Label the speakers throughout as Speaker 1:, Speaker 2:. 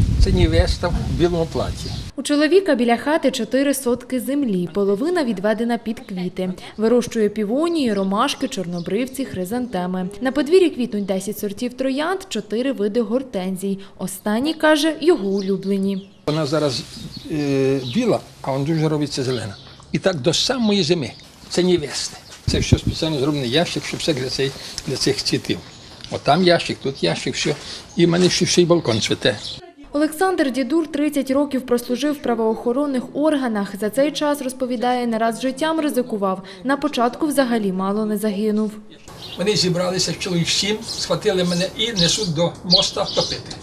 Speaker 1: Це невеста в білому платі.
Speaker 2: У чоловіка біля хати 4 сотки землі, половина відведена під квіти. Вирощує півонії, ромашки, чорнобривці, хризантеми. На подвір'ї квітнуть 10 сортів троянд, 4 види гортензій. Останні, каже, його улюблені.
Speaker 1: Вона зараз біла, а вона дуже робиться зелена. І так до самої зими. Це невести. Це все спеціально зроблений ящик, щоб все для цих цвітів. От там ящик, тут ящик, все. І в мене ще й балкон цвіте.
Speaker 2: Олександр Дідур 30 років прослужив в правоохоронних органах. За цей час, розповідає, не раз життям ризикував. На початку взагалі мало не загинув.
Speaker 1: Вони зібралися, чоловік 7, схватили мене і несуть до моста топити.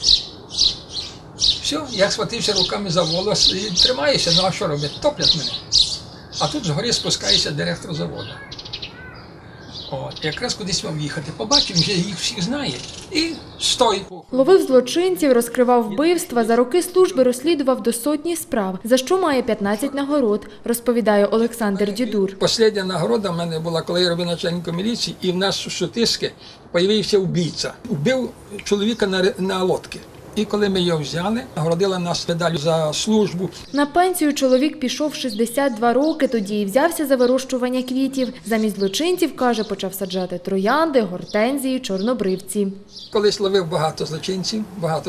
Speaker 1: Все, я схватився руками за волос і тримаюся, ну а що робити? Топлять мене. А тут згорі спускається директор заводу. От, якраз кудись мав їхати. Побачив, вже їх всіх знає. І стой.
Speaker 2: Ловив злочинців, розкривав вбивства. За роки служби розслідував до сотні справ, за що має 15 нагород, розповідає Олександр Дідур.
Speaker 1: Остання нагорода в мене була, коли я робив начальником міліції, і в нас у Шутиськи з'явився вбивця. Вбив чоловіка на лодці. І коли ми його взяли, нагородила нас медаллю за службу.
Speaker 2: На пенсію чоловік пішов 62 роки, тоді і взявся за вирощування квітів. Замість злочинців, каже, почав саджати троянди, гортензії, чорнобривці.
Speaker 1: Колись ловив багато злочинців,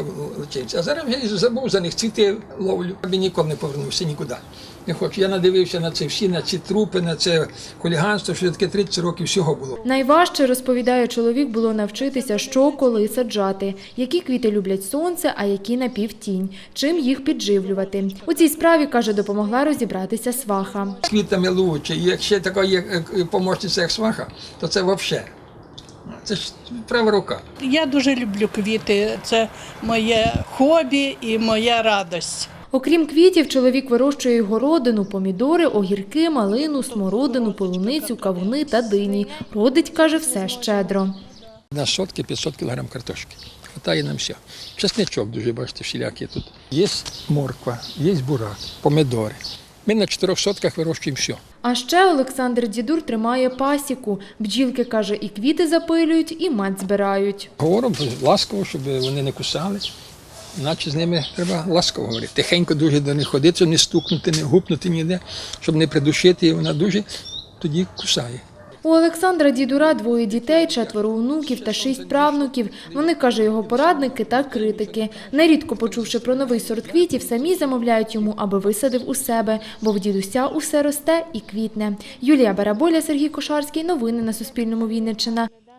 Speaker 1: а зараз я забув за них, цвіти ловлю. Я ніколи не повернувся нікуди. Не хочу. Я надивився на це всі, на ці трупи, на це хуліганство, що таке 30 років всього було.
Speaker 2: Найважче, розповідає чоловік, було навчитися, що коли саджати, які квіти люблять сонце, а які напівтінь, чим їх підживлювати. У цій справі, каже, допомогла розібратися сваха.
Speaker 1: З квітами лучше, і якщо така є помощниця, як сваха, то це взагалі. Це ж права рука.
Speaker 3: Я дуже люблю квіти, це моє хобі і моя радість.
Speaker 2: Окрім квітів, чоловік вирощує й городину, помідори, огірки, малину, смородину, полуницю, кавуни та дині. Родить, каже, все щедро.
Speaker 1: На сотки 500 кг картошки. Хватає нам все. Чесничок дуже, бачите, всілякий тут. Є морква, є бурак, помідори. Ми на 4 сотках вирощуємо все.
Speaker 2: А ще Олександр Дідур тримає пасіку. Бджілки, каже, і квіти запилюють, і мед збирають.
Speaker 1: Говоримо ласково, щоб вони не кусали. Наче з ними треба ласково говорити. Тихенько дуже до них ходити, щоб не стукнути, не гупнути ніде, щоб не придушити, і вона дуже тоді кусає.
Speaker 2: У Олександра Дідура 2 дітей, 4 онуків та 6 правнуків. Вони, каже, його порадники та критики. Нерідко, почувши про новий сорт квітів, самі замовляють йому, аби висадив у себе, бо в дідуся усе росте і квітне. Юлія Бараболя, Сергій Кошарський. Новини на Суспільному. Вінниччина.